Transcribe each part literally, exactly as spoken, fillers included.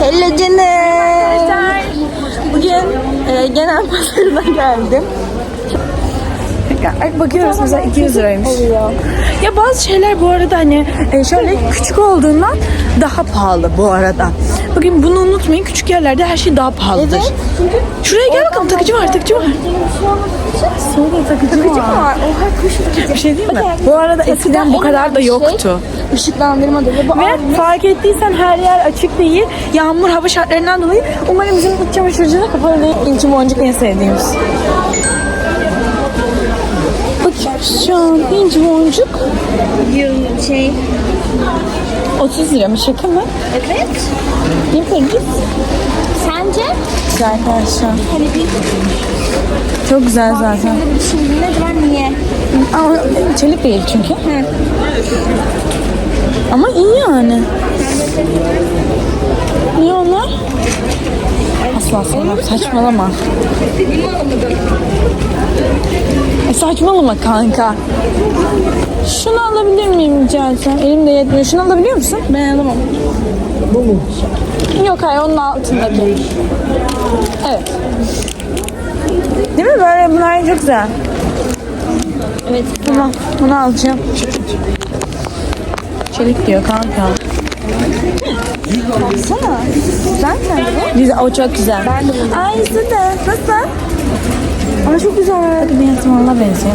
Hello canım. Bugün e, genel pazarına geldim. Bakıyoruz mesela iki yüz liraymış. Ya bazı şeyler bu arada hani şöyle küçük olduğundan daha pahalı bu arada. Bugün bunu unutmayın, küçük yerlerde her şey daha pahalıdır. Evet. Şuraya gel bakalım, takıcı var, takıcı var. Sonra takıcı, takıcı var. var. Oha kuş Bir şey değil mi? Bu arada eskiden bu kadar da yoktu. Işıklandırma da bu Ve fark ettiysen her yer açık değil. Yağmur, hava şartlarından dolayı umarım bizim iç çamaşırcı da kapalı değil. İnci boncuk en sevdiğimiz. Bakıyoruz şu an inci boncuk. şey. otuz lira mı? Şaka mı? Evet. Ne peki? Sence? Güzel arkadaşlar. Hani bir Çok güzel zaten. şöyle bir düşündüğün acaba niye? Ama çelik değil çünkü. Hı. Ama iyi yani. Niye onlar? Asla sana saçmalama. E saçmalama kanka. Şunu alabilir miyim rica etsem? Elimde yetmiyor. Şunu alabiliyor musun? Ben alamam. Bu mu? Yok hayır, onun altındaki. Evet. Değil mi? Böyle bunlar çok güzel. Evet. Tamam. Bunu alacağım. Çelik diyor kanka. Baksana. Güzel mi bu? Güzel. O çok güzel. Ben de bunu. Ay de. Nasıl? Ama çok güzel. Hadi bir yatımalla benziyor.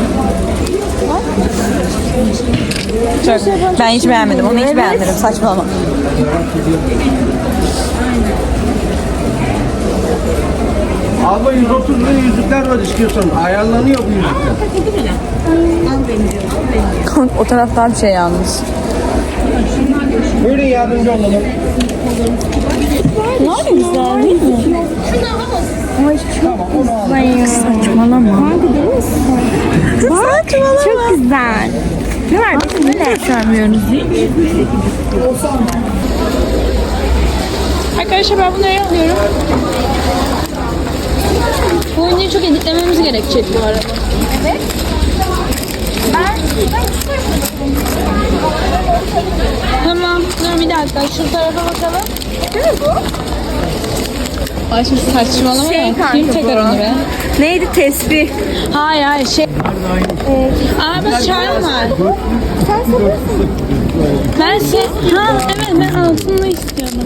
Çok. Ben hiç beğenmedim. Onu hiç Evet. beğenmedim. Saçmalama. Abla yüz otuz lira yüzükler var istiyorsan. Ayarlanıyor bu yüzükler. Kanka o taraf daha bir şey yalnız. Buyurun yardımcı olalım. Ne güzel değil mi? Ay çok güzel. Saçmalama. Kanka değil misin? Saçmalama. Çok güzel. Ne var? Bu ne? Göstermiyoruz hiç. Arkadaşlar ben bunları alıyorum. Bu oyuncuyu çok editlememiz gerekecek bu arada. Evet. Ben Tamam. Dur bir dakika. Şu tarafa bakalım. Değil mi bu? Ay şimdi saçmalama Şey ya. kanka Kim bu. takar onu be? Neydi tesbih? Hayır hayır şey. Ee, Aa bak çay var. sen seviyorsun. Ben şey. Ha evet ben altında istiyorum.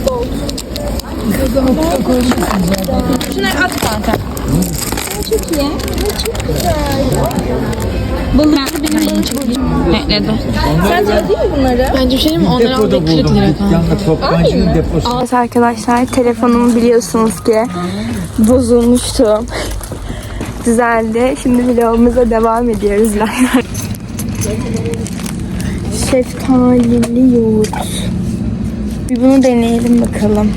Şunları at kanka. Çok iyi. Çok güzel. Balık benim balık. Netledi. Sen değil mi bunları? Bence bir şey diyeyim mi? Onları aldık kırk lira kanka. Toptancının deposu. Evet arkadaşlar, telefonumu biliyorsunuz ki bozulmuştu. Düzeldi. Şimdi vlogumuza devam ediyoruz. Şeftalili yoğurt. Bir bunu deneyelim bakalım.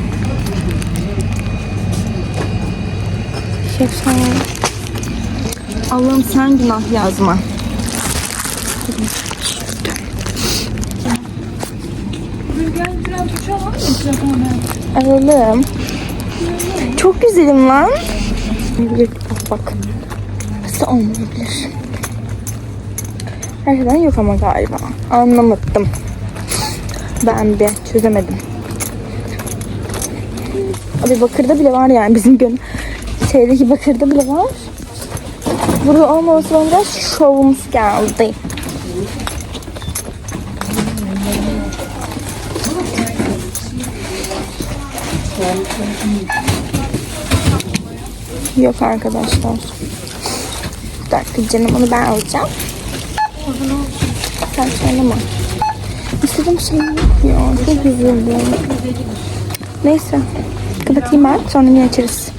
Şeftali. Allah'ım sen günah yazma. Alalım. Çok güzelim lan. Bak bak. Nasıl olmayabilir? Her şeyden yok ama galiba. Anlamadım. Ben bir çözemedim. Abi bakırda bile var yani bizim gün. Şeydeki bakırda bile var. Burada olmaması bana biraz şovumuz geldi. Yok arkadaşlar. Bir dakika canım, onu ben alacağım. Sen söyleme. İstediğim şey yok ya. Çok üzüldüm. Neyse. Kapatayım ben. Sonra yine açarız.